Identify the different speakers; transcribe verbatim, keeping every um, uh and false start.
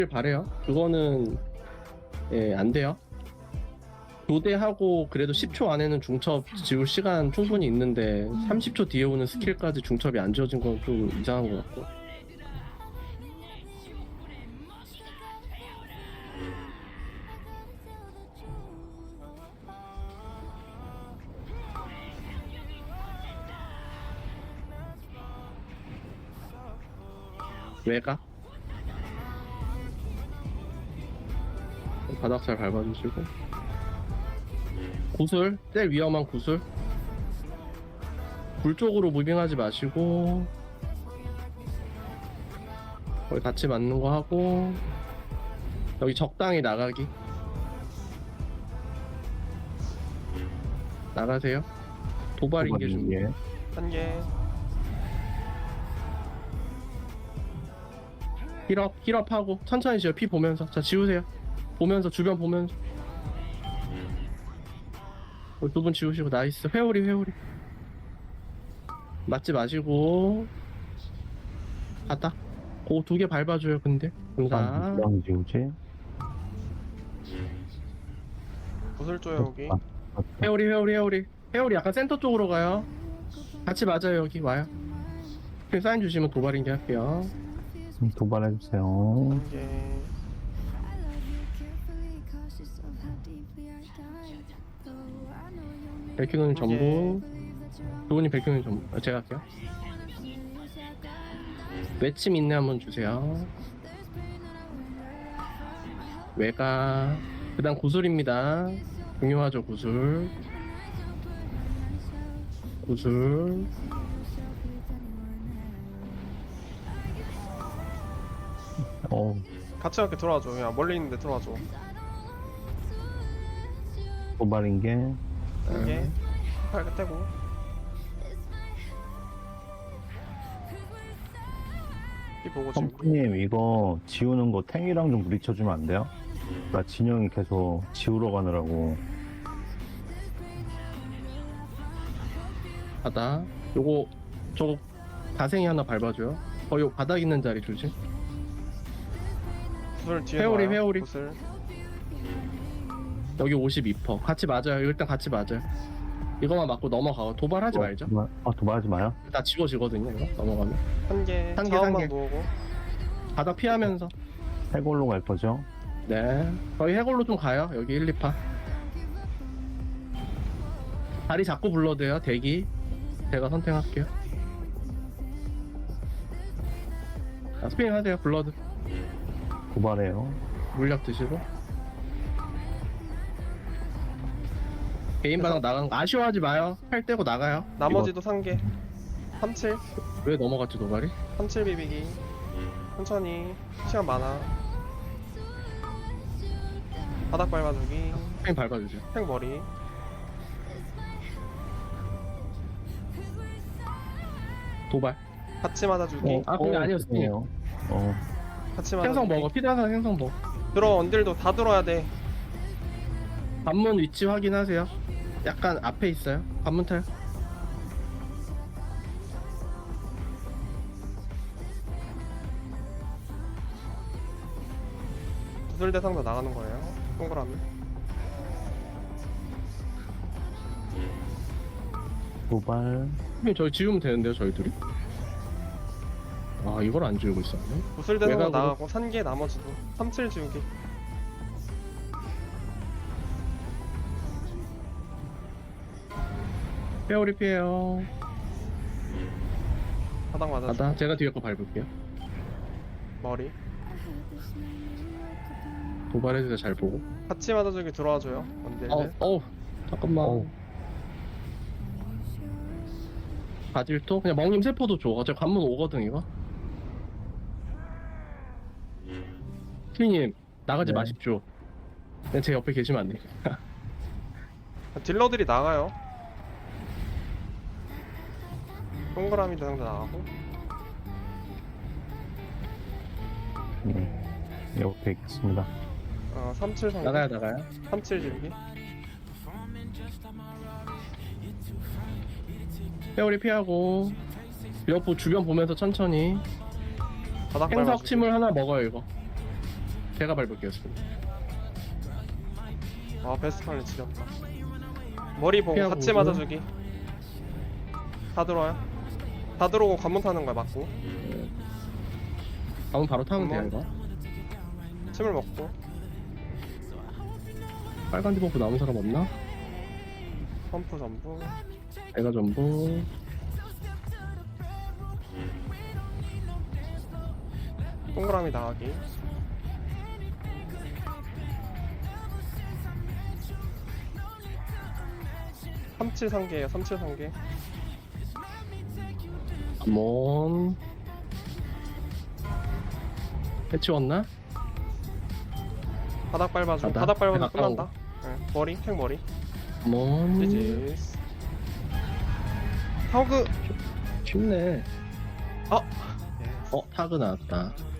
Speaker 1: 바래요. 그거는 예, 안 돼요. 교대하고 그래도 십 초 안에는 중첩 지울 시간 충분히 있는데 삼십 초 뒤에 오는 스킬까지 중첩이 안 지워진 건 좀 이상한 것 같고. 왜가? 바닥 잘 밟아주시고. 구슬, 제일 위험한 구슬. 불 쪽으로 무빙하지 마시고 거기 같이 맞는 거 하고 여기 적당히 나가기. 나가세요. 도발 인계 준비.
Speaker 2: 한 개.
Speaker 1: 힐업, 힐업하고 천천히 지워. 피 보면서. 자, 지우세요. 보면서, 주변 보면서. 두 분 지우시고. 나이스. 회오리, 회오리. 맞지 마시고. 바닥. 그 두 개 밟아줘요, 근데. 감사.
Speaker 3: 누구랑 지우지?
Speaker 2: 구슬 줘요 여기.
Speaker 3: 아,
Speaker 1: 회오리, 회오리, 회오리. 회오리 약간 센터 쪽으로 가요. 같이 맞아요, 여기. 와요. 사인 주시면 도발 인계 할게요.
Speaker 3: 도발해주세요.
Speaker 2: 한 개.
Speaker 1: 백큐는 전부. 두 분이 백큐는 전부. 아, 제가 할게요. 외침 인내 한번 주세요. 외가. 그 다음 구슬입니다. 중요하죠, 구슬. 구슬.
Speaker 3: 어,
Speaker 2: 같이 이렇게 들어와줘. 그냥 멀리 있는데 들어와줘.
Speaker 3: 도발인 게
Speaker 2: 한 개. 팔 떼고. 이 보고 지금.
Speaker 3: 펌프님 이거 지우는 거 탱이랑 좀 부딪혀주면 안 돼요? 나 진영이 계속 지우러 가느라고.
Speaker 1: 바닥. 요거 저거 가생이 하나 밟아줘요. 어, 요 바닥 있는 자리 조심.
Speaker 2: 구슬 뒤에
Speaker 1: 회오리,
Speaker 2: 놔요.
Speaker 1: 회오리.
Speaker 2: 구슬.
Speaker 1: 여기 오십이 퍼센트. 같이 맞아요. 일단 같이 맞아요. 이거만 맞고 넘어가고 도발하지
Speaker 3: 어,
Speaker 1: 말죠.
Speaker 3: 도발, 아 도발하지 마요.
Speaker 1: 다 지워지거든요. 이거 넘어가면.
Speaker 2: 한 개.
Speaker 1: 한 개,
Speaker 2: 자원만
Speaker 1: 한 개.
Speaker 2: 모으고.
Speaker 1: 바닥 피하면서.
Speaker 3: 해골로 갈 거죠?
Speaker 1: 네. 거의 해골로 좀 가요. 여기 일, 이 파. 다리 잡고 불러도 돼요. 대기. 제가 선택할게요. 자, 스피닝 하세요. 블러드.
Speaker 3: 도발해요.
Speaker 1: 물약 드시고. 개인 바닥 나간 거 아쉬워하지 마요. 팔 떼고 나가요.
Speaker 2: 나머지도 한 개. 삼칠.
Speaker 1: 왜 넘어갔지 도발이?
Speaker 2: 삼칠 비비기. 천천히. 시간 많아. 바닥 밟아주기.
Speaker 1: 스피닝 밟아주세요.
Speaker 2: 팽 머리.
Speaker 1: 도발.
Speaker 2: 같이 맞아주기.
Speaker 1: 아, 그게 아니었어.
Speaker 3: 죄송해요. 어,
Speaker 2: 같이 맞아주기.
Speaker 1: 생성 먹어. 피드하사 생성 먹어.
Speaker 2: 들어 언딜도 다 들어야 돼.
Speaker 1: 관문 위치 확인하세요. 약간 앞에 있어요. 관문 타요.
Speaker 2: 구슬 대상도 나가는 거예요. 동그라미.
Speaker 3: 도발.
Speaker 1: 그럼 저희 지우면 되는데요, 저희 둘이? 아, 이걸 안 지우고 있었네.
Speaker 2: 구슬 대상도
Speaker 1: 외곽으로?
Speaker 2: 나가고 산개 나머지도. 삼칠 지우기.
Speaker 1: 페어리 피해요.
Speaker 2: 바닥 맞아주기.
Speaker 1: 바다. 제가 뒤에 거 밟을게요.
Speaker 2: 머리.
Speaker 1: 도발해주세요, 잘 보고.
Speaker 2: 같이 맞아주기 들어와줘요. 언딜.
Speaker 1: 어, 어, 잠깐만.
Speaker 3: 어우.
Speaker 1: 바질토? 그냥 멍님 세포도 줘. 어차피 관문 오거든, 이거. 스피님, 나가지
Speaker 3: 네.
Speaker 1: 마십시오. 그냥 제 옆에 계시면 안 돼요.
Speaker 2: 딜러들이 나가요. 동그라미 대상도 나가고.
Speaker 3: 네. 옆에 있겠습니다.
Speaker 2: 어, 삼칠 상.
Speaker 1: 나가요, 나가요.
Speaker 2: 삼칠 지우기.
Speaker 1: 페어리 피하고. 옆 주변 보면서 천천히.
Speaker 2: 바닥
Speaker 1: 행석
Speaker 2: 밟아주기.
Speaker 1: 침을 하나 먹어요, 이거. 제가 밟을게요 지금.
Speaker 2: 아 베스트 팔레 지렸다. 머리 보고
Speaker 1: 피하고
Speaker 2: 같이
Speaker 1: 오고.
Speaker 2: 맞아주기. 다 들어와요. 다 들어오고 관문 타는 거야 맞고.
Speaker 1: 다음 바로 타면 돼요
Speaker 2: 한번.
Speaker 1: 이거.
Speaker 2: 침을 먹고.
Speaker 1: 빨간 디버프 남은 사람 없나?
Speaker 2: 펌프 전부.
Speaker 1: 내가 전부.
Speaker 2: 동그라미 나가기. 삼칠 상계에요. 삼칠 상계.
Speaker 1: 한번 해치웠나?
Speaker 2: 바닥 밟아줘.
Speaker 1: 바닥?
Speaker 2: 바닥 밟아줘
Speaker 1: 바닥
Speaker 2: 끝난다. 네. 머리 탱 머리.
Speaker 1: 한번
Speaker 2: 지지스. 타워그.
Speaker 1: 쉽네.
Speaker 2: 어.
Speaker 1: 어 타그 나왔다.